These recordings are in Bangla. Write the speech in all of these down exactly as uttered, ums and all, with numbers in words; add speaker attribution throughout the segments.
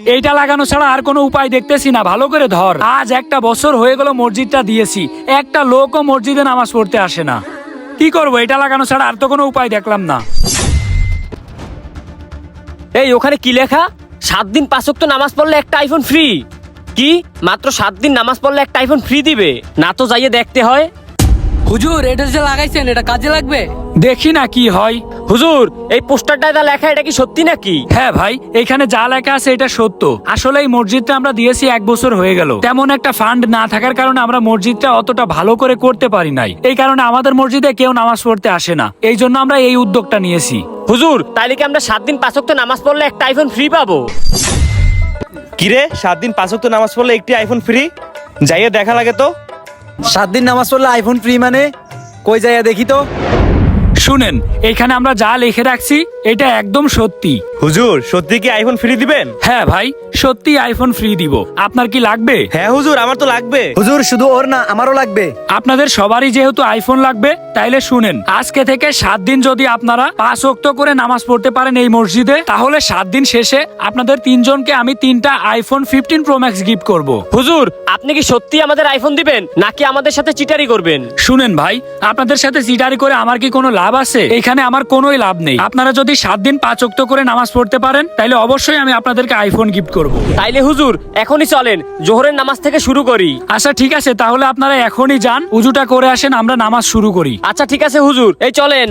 Speaker 1: এইটা লাগানো ছাড়া আর কোনো উপায় দেখতেছি না, ভালো করে ধর। আজ একটা বছর হয়ে গেল মসজিদটা দিয়েছি, একটা লোকও মসজিদে নামাজ পড়তে আসে না। কি করবো, এটা লাগানো ছাড়া আর তো কোনো উপায় দেখলাম না।
Speaker 2: এই ওখানে কি লেখা? সাত দিন পাঁচ ওয়াক্ত নামাজ পড়লে একটা আইফোন ফ্রি। কি মাত্র সাত দিন নামাজ পড়লে একটা আইফোন ফ্রি দিবে? না তো যাইয়ে দেখতে হয়।
Speaker 3: হুজুর, এটা যে লাগাইছেন এটা কাজে লাগবে?
Speaker 1: দেখি না কি হয়।
Speaker 2: হুজুর, এই পোস্টারটায় যা লেখা এটা কি সত্যি নাকি?
Speaker 1: হ্যাঁ ভাই, এখানে যা লেখা আছে এটা সত্য। আসলে এই মসজিদটা আমরা দিয়েছি এক বছর হয়ে গেল। তেমন একটা ফান্ড না থাকার কারণে আমরা মসজিদটা অতটা ভালো করে করতে পারি নাই। এই কারণে আমাদের মসজিদে কেউ নামাজ পড়তে আসে না। এই জন্য আমরা এই উদ্যোগটা নিয়েছি।
Speaker 2: হুজুর, তাইলে কি আমরা সাত দিন পাঁচ ওয়াক্ত নামাজ পড়লে একটা আইফোন ফ্রি পাবো?
Speaker 4: কিরে, সাত দিন পাঁচ ওয়াক্ত নামাজ পড়লে একটি আইফোন ফ্রি? যাইয়ে দেখা লাগে তো।
Speaker 5: সাত দিন নামাজ পড়লে আইফোন ফ্রি মানে? কই যাইয়া দেখি তো।
Speaker 1: শুনেন, এখানে আমরা যা লিখে রাখছি এটা একদম সত্যি।
Speaker 4: হুজুর, সত্যি কি আইফোন ফ্রি দিবেন?
Speaker 1: হ্যাঁ ভাই, সত্যি আইফোন ফ্রি দিব। আপনার কি লাগবে?
Speaker 4: হ্যাঁ হুজুর, আমার তো লাগবে।
Speaker 5: হুজুর, শুধু ওর না, আমারও লাগবে।
Speaker 1: আপনাদের সবারই যেহেতু আইফোন লাগবে, তাইলে শুনেন, আজকে থেকে সাত দিন যদি আপনারা পাঁচ ওয়াক্ত করে নামাজ পড়তে পারেন এই মসজিদে, তাহলে সাত দিন শেষে আপনাদের তিনজনকে আমি তিনটা iPhone fifteen Pro Max gift করব।
Speaker 2: হুজুর, আপনি কি সত্যি আমাদের আইফোন দিবেন নাকি আমাদের সাথে চিটারি করবেন?
Speaker 1: শুনেন ভাই, আপনাদের সাথে চিটারি করে আমার কি কোনো লাভ আছে? এখানে আমার কোনোই লাভ নেই। আপনারা যদি সাত দিন পাঁচ ওয়াক্ত করে নামাজ পড়তে পারেন, তাইলে অবশ্যই আমি আপনাদেরকে আইফোন গিফট করব।
Speaker 2: তাইলে হুজুর এখনই চলেন, জোহরের নামাজ থেকে শুরু করি।
Speaker 1: আচ্ছা ঠিক আছে, তাহলে আপনারা এখনই যান, উজুটা করে আসেন, আমরা নামাজ শুরু করি।
Speaker 2: আচ্ছা ঠিক আছে হুজুর, এই চলেন।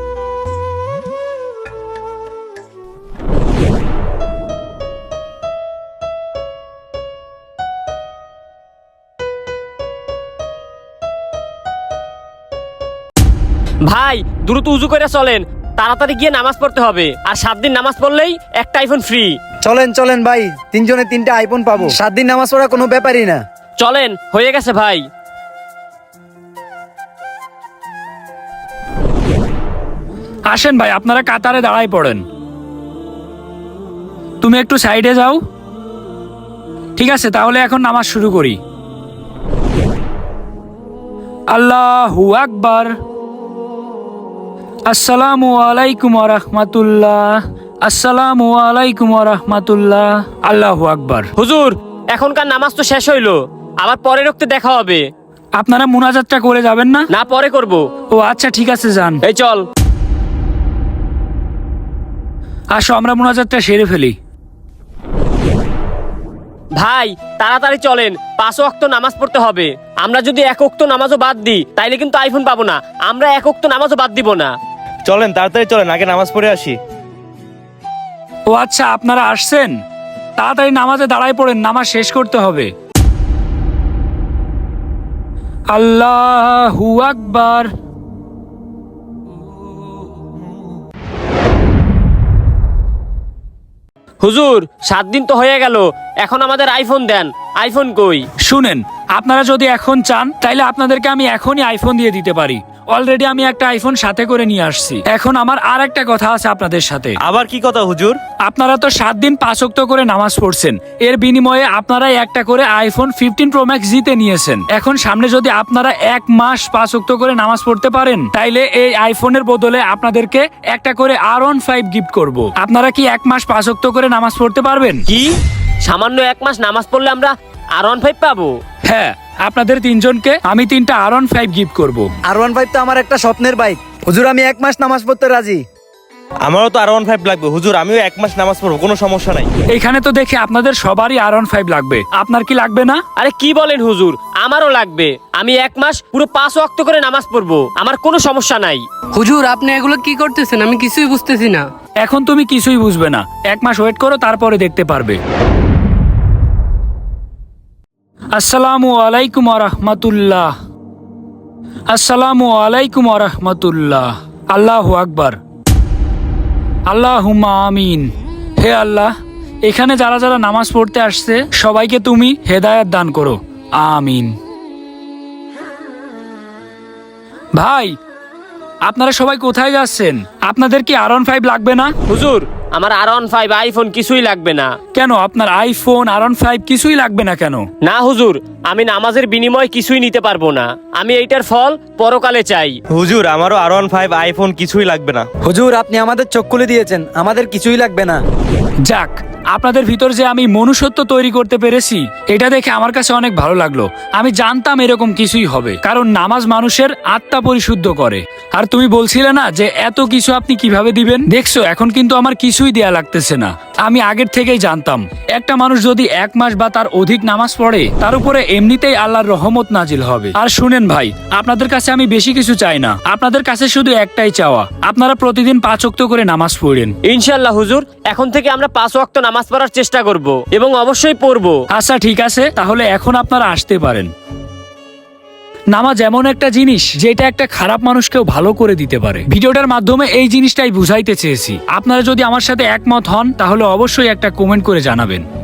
Speaker 2: ভাই দ্রুত উজু করে চলেন, তাড়াতাড়ি গিয়ে নামাজ পড়তে হবে। আর সাত দিন নামাজ পড়লেই একটা আইফোন ফ্রি।
Speaker 5: চলেন চলেন ভাই, তিনজনে তিনটা আইফোন পাবো। সাত দিন নামাজ পড়া কোনো ব্যাপারই না।
Speaker 2: চলেন, হয়ে গেছে ভাই।
Speaker 1: আসেন ভাই, আপনারা কাতারে দাঁড়ায় পড়েন। তুমি একটু সাইডে যাও। ঠিক আছে, তাহলে এখন নামাজ শুরু করি। আল্লাহু আকবার। আসসালামু আলাইকুম ওয়া রাহমাতুল্লাহ। আসসালামু আলাইকুম ওয়া রাহমাতুল্লাহ। আল্লাহু আকবার।
Speaker 2: হুজুর, এখনকার নামাজ তো শেষ হইলো, আবার পরে রক্তে দেখা হবে।
Speaker 1: আপনারা মুনাজাতটা করে যাবেন না?
Speaker 2: না, পরে করব।
Speaker 1: ও আচ্ছা ঠিক আছে, যান।
Speaker 2: এই চল।
Speaker 1: আসো আমরা মুনাজাতটা সেরে ফেলি।
Speaker 2: ভাই তাড়াতাড়ি চলেন, পাঁচ ওয়াক্ত নামাজ পড়তে হবে। আমরা যদি এক ওয়াক্ত নামাজও বাদ দিই তাইলে কিন্তু আইফোন পাবো না। আমরা এক ওয়াক্ত নামাজও বাদ দিব না।
Speaker 4: চলেন তাড়াতাড়ি চলেন, আগে নামাজ পড়ে আসি।
Speaker 1: ও আচ্ছা, আপনারা আসছেন, তাড়াতাড়ি নামাজে দাঁড়ায় পড়েন, নামাজ শেষ করতে হবে। আল্লাহু আকবার।
Speaker 2: হুজুর, সাত দিন তো হয়ে গেল, এখন আমাদের আইফোন দেন। আইফোন কই?
Speaker 1: শুনেন, আপনারা যদি এখন চান তাইলে আপনাদেরকে আমি এখনই আইফোন দিয়ে দিতে পারি। অলরেডি আমি একটা আইফোন সাথে করে নিয়ে আসছি। এখন আমার আর একটা কথা আছে আপনাদের সাথে।
Speaker 4: আবার কি কথা হুজুর?
Speaker 1: আপনারা তো সাত দিন পাঁচ ওয়াক্ত করে নামাজ পড়ছেন, এর বিনিময়ে আপনারা একটা করে আইফোন ফিফটিন প্রো ম্যাক্স জিতে নিয়েছেন। এখন সামনে যদি আপনারা এক মাস পাঁচ ওয়াক্ত করে নামাজ পড়তে পারেন, তাইলে এই আইফোনের বদলে আপনাদেরকে একটা করে আর ওয়ান ফাইভ গিফট করব। আপনারা কি এক মাস পাঁচ ওয়াক্ত করে নামাজ পড়তে পারবেন?
Speaker 2: কি সামান্য এক মাস নামাজ পড়লে আমরা আর ওয়ান ফাইভ পাবো?
Speaker 1: হ্যাঁ, আপনাদের তিনজনকে আমি তিনটা আর ওয়ান ফাইভ গিফট করব।
Speaker 5: আর ওয়ান ফাইভ তো আমার একটা স্বপ্নের বাইক। হুজুর, আমি এক মাস নামাজ পড়তে রাজি।
Speaker 4: আমারও তো আর ওয়ান ফাইভ লাগবে হুজুর, আমিও এক মাস নামাজ পড়বো, কোনো সমস্যা নাই।
Speaker 1: এখানে তো দেখে আপনাদের সবারই আর ওয়ান ফাইভ লাগবে, আপনার কি লাগবে না?
Speaker 2: আরে কি বলেন হুজুর, আমারও লাগবে। আমি এক মাস পুরো পাঁচ ওয়াক্ত করে নামাজ পড়বো, আমার কোনো সমস্যা নাই।
Speaker 3: হুজুর, আপনি এগুলো কি করতেছেন? আমি কিছুই বুঝতেছি না।
Speaker 1: এখন তুমি কিছুই বুঝবে না, এক মাস ওয়েট করো, তারপরে দেখতে পারবে। আসসালামু আলাইকুম ওয়া রাহমাতুল্লাহ। আসসালামু আলাইকুম ওয়া রাহমাতুল্লাহ। আল্লাহু আকবার। আল্লাহুম্মা আমিন। হে আল্লাহ, এখানে যারা যারা নামাজ পড়তে আসছে সবাইকে তুমি হেদায়েত দান করো, আমিন। ভাই, আপনারা সবাই কোথায় যাচ্ছেন? আপনাদের কি আর ওয়ান ফাইভ লাগবে না?
Speaker 2: হুজুর, আমার আর ওয়ান ফাইভ আইফোন কিছুই লাগবে না।
Speaker 1: কেন, আপনার আইফোন আর ওয়ান ফাইভ কিছুই লাগবে না কেন?
Speaker 2: না হুজুর, আমি নামাজের বিনিময়ে কিছুই নিতে পারবো না। আমি এইটার ফল পরকালে চাই।
Speaker 4: হুজুর, আমারও আর ওয়ান ফাইভ আইফোন কিছুই লাগবে না।
Speaker 5: হুজুর, আপনি আমাদের চোখ খুলে দিয়েছেন, আমাদের কিছুই লাগবে না।
Speaker 1: যাক, আপনাদের ভিতর যে আমি মনুষ্যত্ব তৈরি করতে পেরেছি এটা দেখে আমার কাছে অনেক ভালো লাগলো। আমি জানতাম এরকম কিছুই হবে, কারণ নামাজ মানুষের আত্মা পরিশুদ্ধ করে। আর তুমি বলছিলে না যে এত কিছু আপনি কিভাবে দিবেন, দেখছো এখন কিন্তু আমার কিছুই দেয়া লাগতেছে না। আমি আগের থেকেই জানতাম একটা মানুষ যদি এক মাস বা তার অধিক নামাজ পড়ে তার উপরে এমনিতেই আল্লাহর রহমত নাজিল হবে। আর শুনেন ভাই, আপনাদের কাছে আমি বেশি কিছু চাই না, আপনাদের কাছে শুধু একটাই চাওয়া, আপনারা প্রতিদিন পাঁচ ওয়াক্ত করে নামাজ পড়েন।
Speaker 2: ইনশাল্লাহ হুজুর, এখন থেকে আমরা পাঁচ ওয়াক্ত নামাজ পড়ার চেষ্টা করব এবং অবশ্যই পড়বো।
Speaker 1: আচ্ছা ঠিক আছে, তাহলে এখন আপনারা আসতে পারেন। নামাজ এমন একটা জিনিস যেটা একটা খারাপ মানুষকেও ভালো করে দিতে পারে। ভিডিওটার মাধ্যমে এই জিনিসটাই বুঝাইতে চেয়েছি। আপনারা যদি আমার সাথে একমত হন তাহলে অবশ্যই একটা কমেন্ট করে জানাবেন।